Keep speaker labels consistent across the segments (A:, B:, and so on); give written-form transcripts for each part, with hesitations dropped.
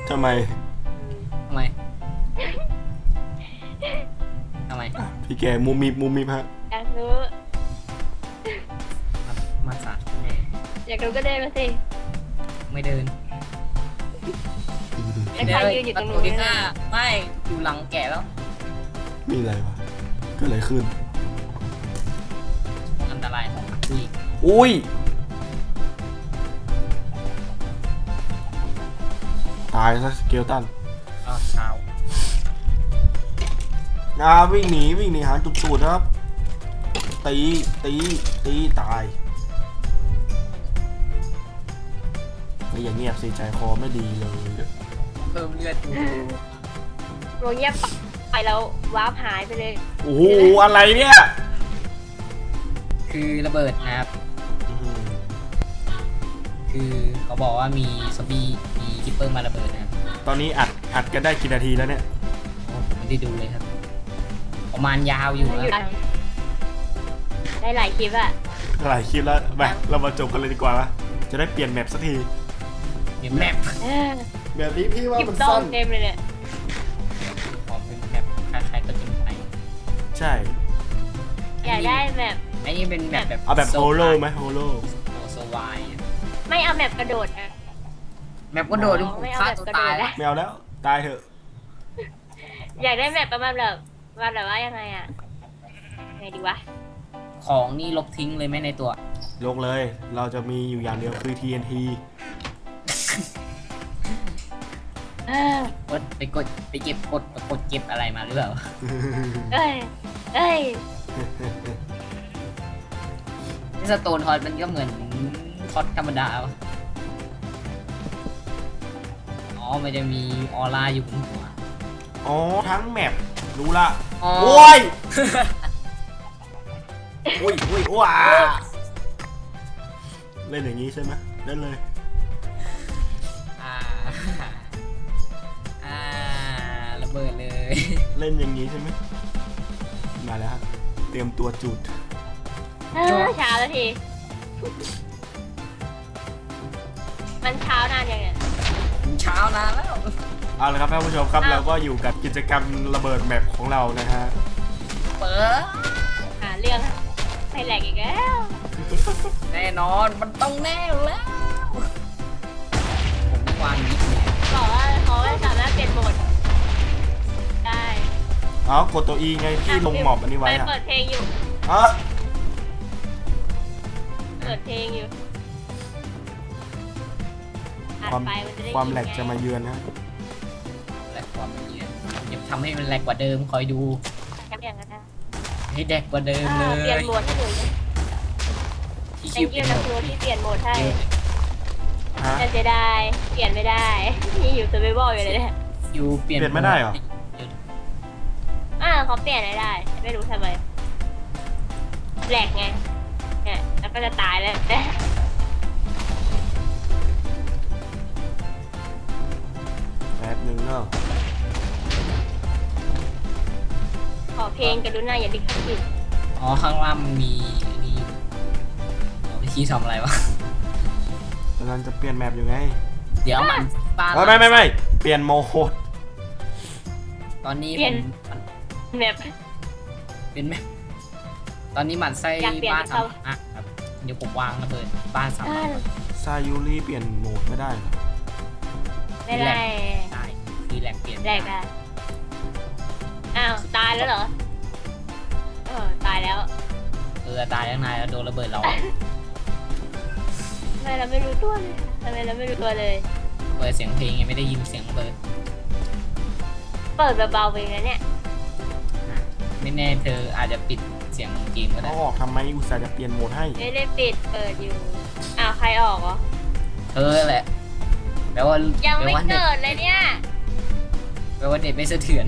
A: ทำไม
B: ทำไม
A: พี่แกมุมมิบฮะ
C: อยากรู้
B: มาสา
C: อยากรู้ก็เดินมาสิ
B: ไม่เดิน
C: แล้วใครยืนอยู่ตรงนู้น
B: ที่ห้าไม่อยู่หลังแกะแล้ว
A: มีอะไรวะเกิดอะไรขึ้น
B: อันตรายของผู้หญิง
A: อุ้ยตายซะสเกลตัน
B: ก็เช้า
A: วิ่งหนีหาจุดสูตรครับตีตายไม่อย่างเงียบสิใจคอไม่ดีเลย
B: เพิ่มเลือดอยู่
C: โรเงียบไปแล้ววาร์ปหายไปเลย
A: โอ้โหอะไรเนี่ย
B: คือระเบิดนะครับ คือเขาบอกว่ามีซอมบี้มีคิปเปอร์มาระเบิดนะครับ
A: ตอนนี้อัดกันได้กี่นาทีแล้วเนี่ย
B: โอ้ผมไม่ได้ดูเลยครับ ประมาณยาวอยู่
C: อยู่
B: นะ
C: ได้หลายคลิปอะ
A: หลายคลิปแล้วไปเรามาจบกันเลยดีกว่าละจะได้เปลี่ยนแมปสักที
B: มีแมป
A: แบบนี้พี่ว่า
C: คลิป
A: มัน
C: ต้อ
A: สั้
C: ง
A: น
C: เต็มเลยเนี่ย
B: ของเป็นแมปคล้ายๆก็จริงไป
A: ใช่
C: อยากได้แบบ
B: ไอ้นี่เป็นแบบ
A: เอาแบบโฮโลไหมโฮโล
B: โซวาย
C: ไม่เอาแบบกระโดดอะ
B: แมปก็โดดที่ผม
C: ไม่เอา
B: ฆ่า
C: แบบ
B: ตัว
C: กระโด
B: ตาย
C: ด
B: แล้ว
C: อะ
A: ไม่เอาแล้วตายเถอะ
C: อยากได้แบบประมาณแบบว่ายังไงอะไงดีวะ
B: ของนี่ลบทิ้งเลยไหมในตัว
A: ยกเลยเราจะมีอยู่อย่างเดียวคือ TNT
B: ไปกดไปเก็บกดเก็บอะไรมาหรือเปล่า
C: เอ้ย
B: สโตนทอยมันก็เหมือนทอดธรรมดาวะอ๋อมันจะมีออร่าอยู่บนหัว
A: อ๋อทั้งแมปรู้ละ
B: อ๋อ
A: โอ้ยว้าเล่นอย่างนี้ใช่ไหมเล่นเลย
B: อ่าอ่าระเบิดเลย
A: เล่นอย่างนี้ใช่ไหมมาแล้วครับเตรียมตัวจุด
C: เช้าแล้วที มันเช้านานยังเนี่ย
B: เช้านานแล้ว
A: เอาละครับท่านผู้ชมครับเราก็อยู่กับกิจกรรมระเบิดแมปของเรานะฮะ
B: เปิด
C: หาเรื่องให้แหลกอีกแล้ว
B: แน่นอนมันต้องแน่อยู่แล้วผมวางนี้เลย
C: บอกว่าเขาไม่สามารถเปลี่ยนโหมดได้
A: อ๋อกดตัว E ไงพี่ลงหมอบอันนี้ไว้
C: ไป
A: อะ
C: เปิดเพลงอยู่
A: อ๋อ
C: เปิดเพลงอยู่อัด
A: ความ
C: ไปนจะได้
A: ความแหลก
C: ยินไง
A: จะมาเยือนนะ
B: แหลกความละเอียดอย่าทำให้มันแหลกกว่าเดิมคอยดู
C: แค่อย่างนั้นนะ
B: ให้แดกกว่าเดิมเล
C: เปลี่ยน
B: ย
C: โหมดให้หนู
B: ที่
C: แต
B: คิว
C: งกิ้วนะครูที่เปลี่ยนโหมดให้
A: ฮะ
C: แต่เสียดายเปลี่ยนไม่ได้นี่อยู่เซอร์ไววัลอยู่เลยเนี่ย
B: คิวเปลี่ยน
A: เปลี่ยนไม่ได้เหรอ
C: เขาเปลี่ยนไม่ได้ ไม่รู้ทำไมแหลกไงเนี่ยแล้วก็จะตายแล้ว
A: แป๊บนึงเนาะ
C: ขอเพลงกรุณาอย่าดิกผิด
B: อ๋อข้างล่างมันมีนี่อ๋อพี่คีทำอะไรวะ
A: กำลังจะเปลี่ยนแมปอยู่ไง
B: เดี๋ยวมันบ้าน
A: ไม่เปลี่ยนโหมด
B: ตอนนี้มัน
C: แบบ
B: เป็นไหมตอนนี้มันไส้
C: อยากเปลี่ยน
B: บ้าน
C: ให้เขา
B: สามครับเดี๋ยวผมวางระเบิดบ้านสามหลัง
A: ซายูริเปลี่ยนโหมดไม่ได้เหรอ
C: ไม่ได้
B: ได้คือแหลกเปลี่ยน
C: แหลกอ่ะอ้าวตายแล้วเหรอตายแล้ว
B: ตายยังไงแล้วโดนระเบิดเรา
C: ทำไมเราไม่รู้ตัวเลยทำไมเราไม่รู้ตัวเลย
B: เปิดเสียงเพลงยังไม่ได้ยินเสียงระเบิด
C: เปิดเบาๆไปนะเนี่ย
B: ไม่แน่เธออาจจะปิดเสียงเกมก็ได้
A: เขาออกทำไมอุตส่าห์จะเปลี่ยนโหมดให้
C: ไม่ได้ปิดเปิดอยู่อ้าวใครออกเหรอ
B: เธอแหละแปลว่า
C: ยัง
B: แปล
C: ไม่
B: ว่าเน็ต
C: เกิดเลยเนี่ย
B: แปลว่าเน็ตไม่สะเทือน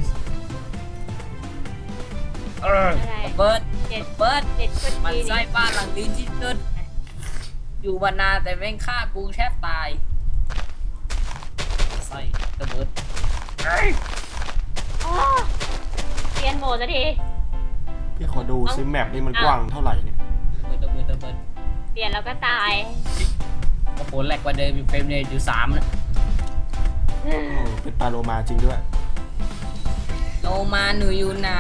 B: ระเบิด
C: เด็ด
B: ระเบิด
C: เด็ดคน
B: มัน
C: ดี
B: ไส้
C: นี่
B: บ้านหลังนี้ที่สุดอยู่มานานแต่แม่งฆ่ากูแทบตายไส้ระเบิด
C: อ๋อเปลี่ยนโหมดสักที
A: พี่ขอดูซิแมปนี่มันกว้างเท่าไหร่เนี่ย
B: ระเบิด
C: เปลี่ยนแล้วก็ตาย
B: โอ้โหแหลกกว่าเดิมอยู่เฟรมเรทอยู่3นะ
A: โอ้เป็นปลาโลมาจริงด้วย
B: โลมาหนูอยู่ไหน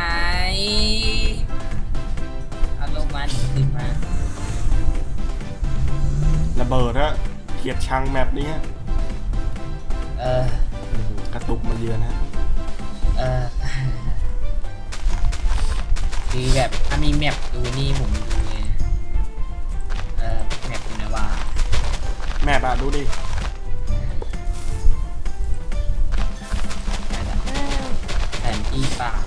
B: เอาโลมาหนูขึ้นมา
A: ระเบิดอะเกลียดชังแมปนี้ฮะ
B: เออก
A: ระตุกมาเยือนฮะ
B: เออคือแบบถ้ามีแมปดูนี่ผมดูเลยแมปเป็นไงวะ
A: แมปอะดูดิ
B: แผนที่ป่า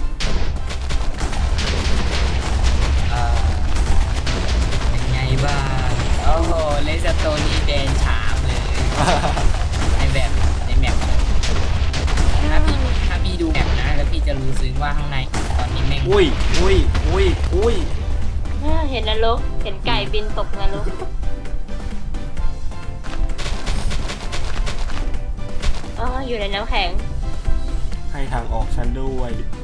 B: เป็นไงบ้างโอ้โหเลสโตนี่แดนฉามเลย ในแบบในแมปถ้าพี่ดูแมปนะแล้วพี่จะรู้ซึ้งว่าข้างในตอนนี้แม่ง
A: อุ้ยอุ้ยอุ้ยอุ้ย
C: เห็นนรกเห็นไก่บินตกนรกอ๋ออยู่ในน้ำแข็ง
A: ให้ทางออกฉันด้วย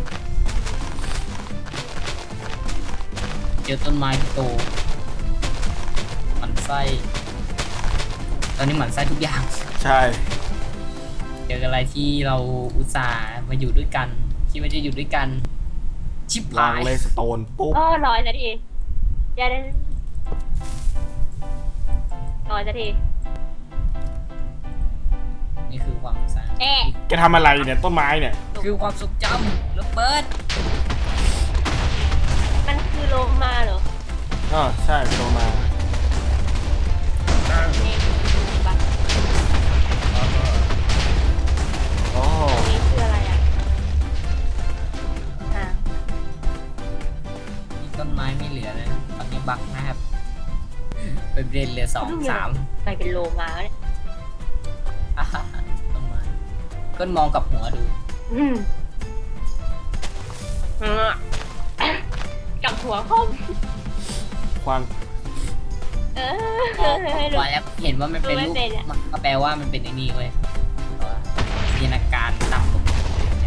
B: เจอต้นไม้ที่โตหมันไส้ตอนนี้หมันไส้ทุกอย่าง
A: ใช่
B: เจออะไรที่เราอุตส่าห์มาอยู่ด้วยกันคิดว่าจะอยู่ด้วยกัน ชิบ
A: วา
B: หาง ย
A: เลสโตนปุ๊บ
C: อ๋อลอยสักทีอย่าได้ลอยสักที
B: นี่คือความอุตส่าห์
C: แอะ
A: แกทำอะไรเนี่ยต้นไม้เนี่ย
B: คือความทรงจำระเบิด
C: มันคือโลมาเหรอ
A: ใช่โลมา
C: นี่บัตร
A: โอ้
C: อันนี้คืออะไรอ่ะอ่า
B: มีต้นไม้ไม่เหลือเลยนะตอนนี้บักนะครับเป็นเรนเหลือ2
C: ไปเป็นโลมาเนี่ย
B: 3อ่าฮะต้นไม้ก้นมองกับหัวดู
C: อืมกับหัวคม
A: ควาง
C: ให้ดู
B: ว่าแล้วเห็นว่ามันเป็น
C: ดูไม่
B: รูป
C: เป็นอะ
B: มันก็แปลว่ามันเป็นไอ้นี่เว้ยแต่ว่าจินตนาการต่ำลงเนี่ย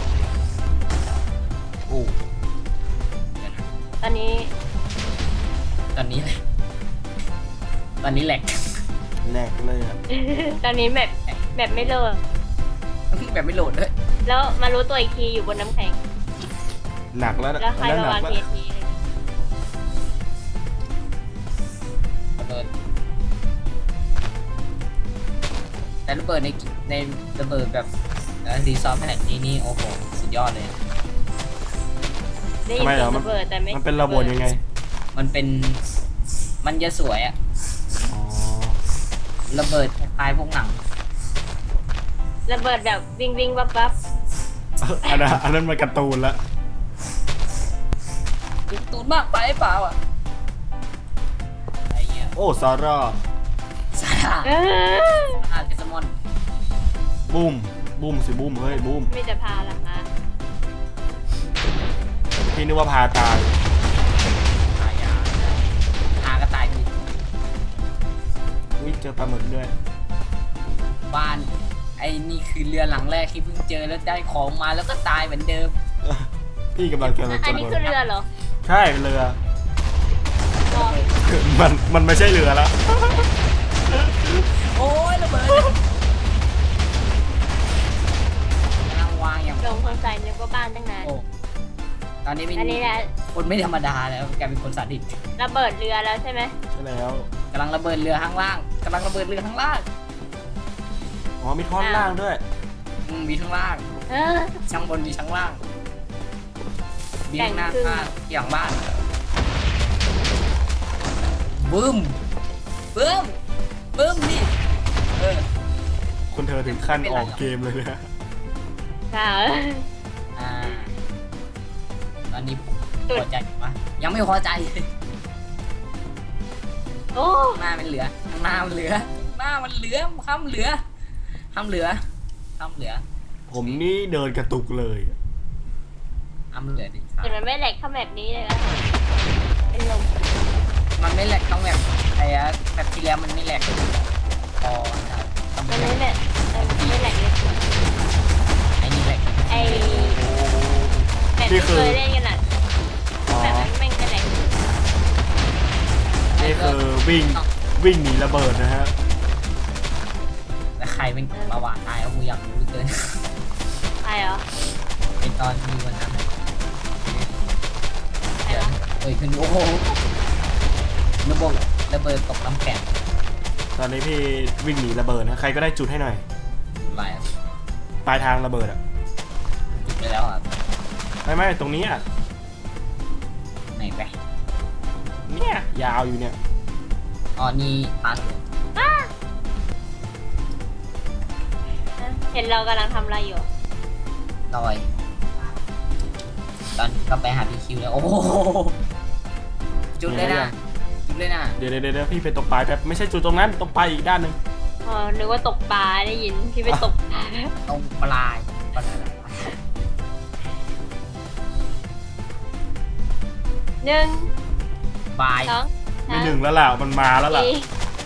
A: โอ้
B: เดี๋ยวนะ
C: ตอนนี้
B: ตอนนี้เลยตอนนี้แหลก
A: แหลกเลยอะ
C: ตอนนี้แบบไม่เลิก
B: แบบไม่โหลดด้วย
C: แล้วมารู้ตัวอีกทีอยู่บนน้ำแข็ง
A: หนักแล้วนะ
C: แล้วใคร
A: อันนั้น
C: มา
A: หนั
C: วาก ง
A: แล้ว
C: TNT อะไรอย่างเงี้ย
B: ระเบิดแต่ระเบิดในระเบิดแบบรีซอสขนาดนี้นี่โอ้โหสุดยอดเลย
C: ได้ยินเสียงระเบิดแต่ไม่
A: มันเป็นระบบยังไง
B: มันจะสวยอะ
A: อ๋อ
B: ระเบิดคล้ายๆพวกหนัง
C: ระเบิดแบบวิ่งวิ่งวับวับ
A: อันนั้นมันการ์ตูนละ
B: ดูตูนมากไปเปล่าอ่ะอะไรเงี้ย
A: โอ้ซาร่า
B: ซาร่า
C: เออ
B: เจสมอน
A: บูมบูมสิบูมเฮ้ยบูม
C: ไม่จะพาละคะ
A: พี่นึกว่าพาตาย
B: ตายยาหากระต่ายดี
A: อุ้ยเจอปลาหมึกด้วย
B: บ้านไอ้นี่คือเรือหลังแรกที่เพิ่งเจอแล้วได้ของมาแล้วก็ตายเหมือนเดิม
A: พี่กำลังจะ
C: อันนี้คือเรือเหรอ
A: ใช่เรือ
C: รอ
A: มันไม่ใช่เรือแล้ว
B: โอ้ยระเบิดกำลังวางอย่าง
C: ลงคนใส่นึกว่าบ้านตั้งนาน
B: โอ้ตอนนี้เป็น
C: อันนี้แหละ
B: คนไม่ธรรมดาแล้วกลายเป็นคนสาดิต
C: ระเบิดเรือแล้วใช่ไหม
A: ใช่แล้ว
B: กำลังระเบิดเรือข้างล่างกำลังระเบิดเรือข้างล่าง
A: อ๋อมีท่อนล่างด้วย
B: มีข้างล่าง
C: เออ
B: ช่างบนมีช่างล่างมีข้างหน้า
C: แบ่งครึ่ง
B: ข้างที่หลังบ้านบึ้มบึ้มบึ้มนี่เออ
A: คุณเธอถึงขั้นออกเกมเลยนะ
C: ค่ะ
B: อ่าตอนนี้พอใจปะยังไม่พอใจ
C: โอ้
B: ข้างหน้ามันเหลือข้างหน้ามันเหลือข้างหน้ามันเหลือห้ามเหลือห้ามเหลือห้ามเหลือ
A: ผมนี่เดินกระตุกเลย
B: ห้ามเหลือดิ
C: แต่มันไม่แหลกเข้าแบบนี้เลยนะเป็นลม
B: มันไม่แหลกต้องแบบไอ้แบบที่แล้วมันไม่แหลกพอนะครับต้อง
C: มัน
B: แหล
C: ไม่
B: ก
C: แหลกไม่แหลกเลย
B: ไอ้นี่แหลก
C: ไอ้แบบที่เคยเล่นกันอ่ะ
A: อ๋อ
C: แบบนั้นแม่งจะแหลก
A: นี่คือวิ่งหนีระเบิดนะฮะ
B: ไปแต่ใครเป็นประวัติตายเอากูอยากรู้เหลือเกิน
C: ใช่เหรอ
B: เป็นตอนมีวันนั้นอะ
C: ใช่
B: เดี๋
C: เห
B: ย
C: ร
B: ว
C: อ
B: เอ้ยขึ้นโอ้โหระเบิดตกน้ำแข็ง
A: ตอนนี้พี่วิ่งหนีระเบิดนะใครก็ได้จุดให้หน่อย
B: ไหล
A: ปลายทางระเบิดอ่ะ
B: จุดไปแล้วอ่ะ
A: ไม่ตรงนี้อ่ะ
B: ไหนไป
A: เนี่ยยาวอยู่เนี่ย
B: อ๋อนี่พัน
C: เห็นเรากำลังทำอะไรอยู่
B: ลอยตอนก็ไปหาพี่คิวแล้วโอ้โหจุดเลยนะจุดเลยนะ
A: เดี๋ยวพี่ไปตกปลายแป๊บไม่ใช่จุดตรงนั้นตกปลายอีกด้านหนึ่ง
C: อ๋อ นึกว่าตกปลาได้ยินพี่ไปตกปลา
B: ตรงปลายปลาย
C: หนึ่ง
B: บาย
C: สอง
A: ไม่หนึ่งแล้วล่ะมันมาแล้วล่ะ
C: สี่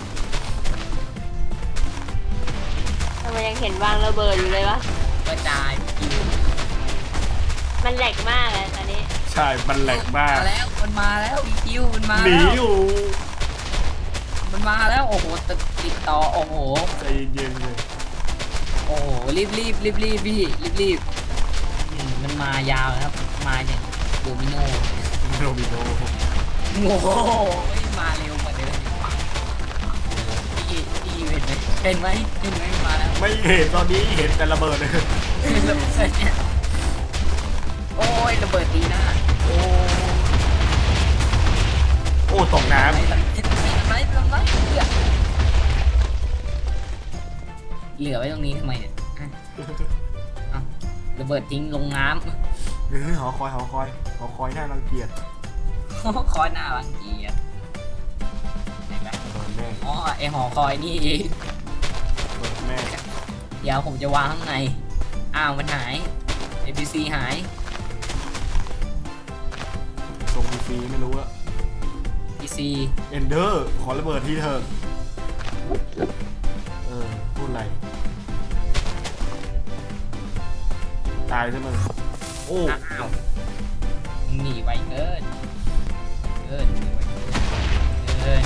C: ทำไมยังเห็นวางระเบิดอยู่เลยวะ
B: กระจายคิว
C: มันแหลกมากเลยตอนนี้
A: ใช่มันแหลกมาก
B: มาแล้วมันมาแล้วพี่คิวมันมา
A: หนี
B: แล้ว
A: อยู่
B: มันมาแล้วโอ้โหติดต่อโอ้โห
A: ใจเย็นๆเลย
B: โอ้โหรีบพี่รีบมันมายาวนะครับมาอย่างโดมิโน
A: โรบิโน
B: โอ้โหมาเร็วกว่าเดิมพี่เห็นไหมมาแล้ว
A: ไม่เห็นตอนนี้เห็นแต่ระเบิดเลย
B: ระเบิดเนี่ยโอ้ยระเบิดดีนะโอ้
A: โอ้ตกน้
B: ทำไมเหลือไว้ตรงนี้ทำไมเนี่ยอ่ะระเบิดทิ้งลงน้
A: ำหอคอยน่ารังเกียจ
B: ำคอยหน้ารังเกียจไหนไหม
A: ระเบิดแม่
B: อ๋อไอหอคอยนี่เอง
A: ระเบิดแม่
B: เดี๋ยวผมจะวางข้างในอ้าวมันหาย APC หาย
A: ส่งฟรีไม่รู้อะ
B: PC
A: เอนเดอร์ขอระเบิดทีเถอะพูดอะไรตายใช่ไหมโอ้
B: อ้าวหนีไวเกินหนีไวเกิน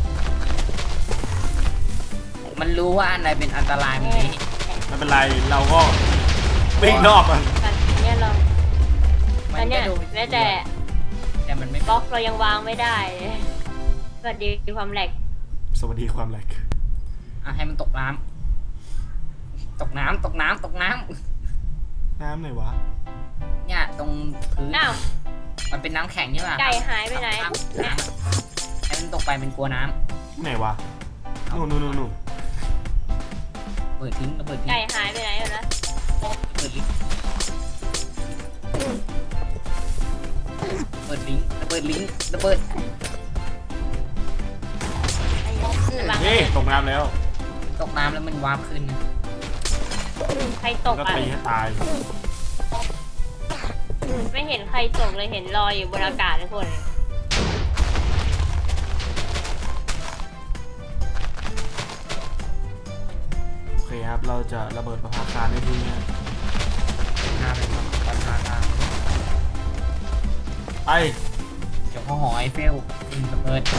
B: มันรู้ว่าอันไหนเป็นอันตรายมันนี้
A: ไม่เป็นไรเราก็วิ่งนอกมัน
C: ตอนนี้เราต
B: มั
C: อน
B: น
C: เนี้ย
B: โดน
C: แม้แต่
B: แต่มันไม่
C: บล็อกเรายังวางไม่ได้เลยสวัสดีความแหลก
A: สวัสดีความแหลก
B: อ่ะให้มันตกน้ำตกน้ำ
A: น้ำไหนวะ
B: เนี่ยตรงพื้น
C: อ้าว
B: มันเป็นน้ำแข็งใช่ป่ะ
C: ไก่หายไปไหน
B: น้ำให้มันตกไปมันกลัวน้
A: ที่ไหนวะนู่น
B: ำเปิดทิ้งระเบิดทิ้ง
C: ไก่หายไปไหนแล้วนะ
B: เปิดลิงก์ระเบิดลิงก์ระเบิด
C: วาง
A: นี่ตกน้ำแล้ว
B: ตกน้ำแล้วมันวาร์ปขึ้นนะ
C: ใครตก
A: ก็
C: อ่ะ
A: ตีให้ตาย
C: ไม่เห็นใครตกเลยเห็นลอยอยู่บนอากาศทุกคน
A: โอเคครับเราจะระเบิดประภาคารในที่นี้
B: หน้าเป็นปัญหาทาง
A: ไป
B: เดี๋ยวเขาหอยเฟลระเบิด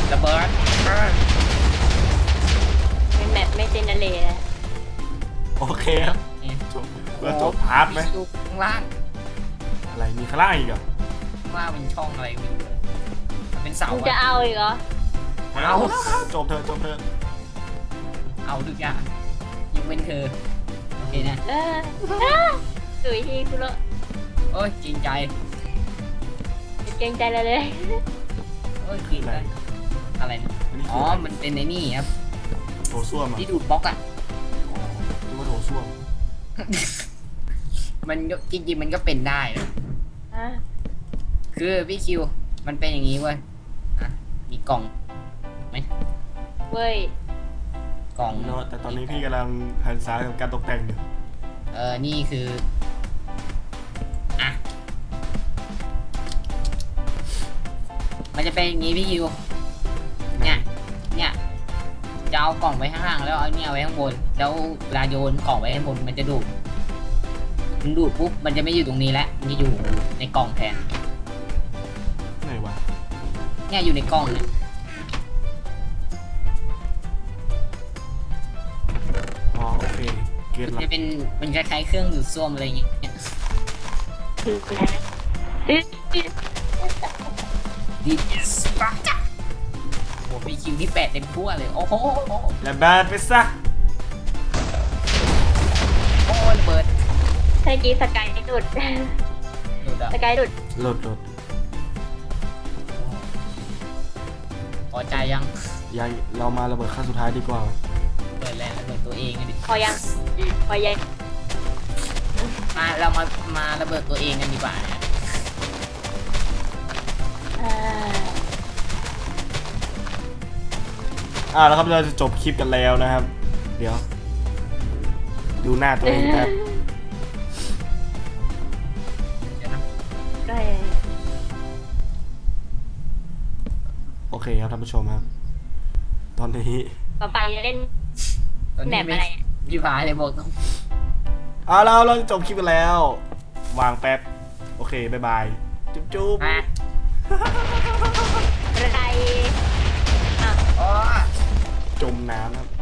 C: เป็นแมปไม่เจนเนเรตเลย
A: โอเคครับ
B: เนี่ย
A: จบเราจบพาร์ทไหม
B: ดูข้างล่าง
A: อะไรมีข้างล่างอีกเหรอ
B: ข้างล่างเป็นช่องอะไรไม่รู้มันเป็นเสา
C: มึงจะ
B: อะ
C: เอาอีกเหรอ
A: เอาจบเถอะ
B: เอาทุกอย่างยกเว้นเธอโอเคนะ
C: สุยทีคุณละ
B: โอ้ยจริงใจ
C: เกรงใจเลย
B: โอ้ยจริงใจอะไรนะ
A: อันนี้
B: อ๋
A: คือ
B: อ
A: อะไร
B: มันเป็นไอ้นี่ครับ
A: โถส้วมอ่ะ
B: ที่ดูดบล็อกอ่ะ
A: อ๋อนึกว่าโถส้วม
B: มันก็จริงๆมันก็เป็นได้นะ
C: อ่ะ
B: คือพี่คิว มันเป็นอย่างนี้เว้ยอ่ะมีกล่องไหม
C: เว้ย
B: กล่อง
A: เนาะแต่ตอนนี้พี่กำลังหันษากับการตกแต่งอยู่
B: นี่คืออ่ะมันจะเป็นอย่างนี้พี่คิว เนี่ยจะเอากล่องไว้ข้างล่างแล้วเอาเนี่ยไว้ข้างบนแล้วเวลาโยนกล่องไว้ข้างบนมันจะดูดมันดูดปุ๊บมันจะไม่อยู่ตรงนี้แล้วมันจะอยู่ในกล่องแทน
A: ไหนวะ
B: เนี่ยอยู่ในกล่องเนี่ย
A: อ๋อโอเคล็ดลับ
B: จะเป็นมันคล้ายๆเครื่องดูดซ่วมอะไรอย่างเงี้ย
C: คือนะ
B: ดิสปาร์โอ้มีคิวที่8เต็มทั่วเลยโอ้โห
A: และแบนไปซะ
B: โอ้ระเบิด
C: ใช่กี้สกายดุด
B: หลุดอ่ะ
C: สกายดุด
A: หลด
B: พอใจยัง
A: ยังเรามาระเบิดขั้นสุดท้ายดีกว่า
B: เปิดแล้วระเบิดตัวเองกันดิ
C: พอยังพอยัง
B: เรามาระเบิดตัวเองกันดีกว่านะ
A: แล้วครับเราจะจบคลิปกันแล้วนะครับ เดี๋ยว ดูหน้าตัวเองครับ
B: เดี๋ยวนะ
C: ก็
A: โอเคครับท่านผู้ชมครับ ตอนนี้
C: ต่อไปจะเล่น
B: ตอนนี้
C: แบบอะไรอะ
B: พี่พายเลยบอกต้อง
A: เราจะจบคลิปกันแล้ว วางแป๊บ โอเค บ๊ายบาย จุ๊บ
B: มา
C: อะไรอ่ะ
B: โอ้
A: จมน้ำครับ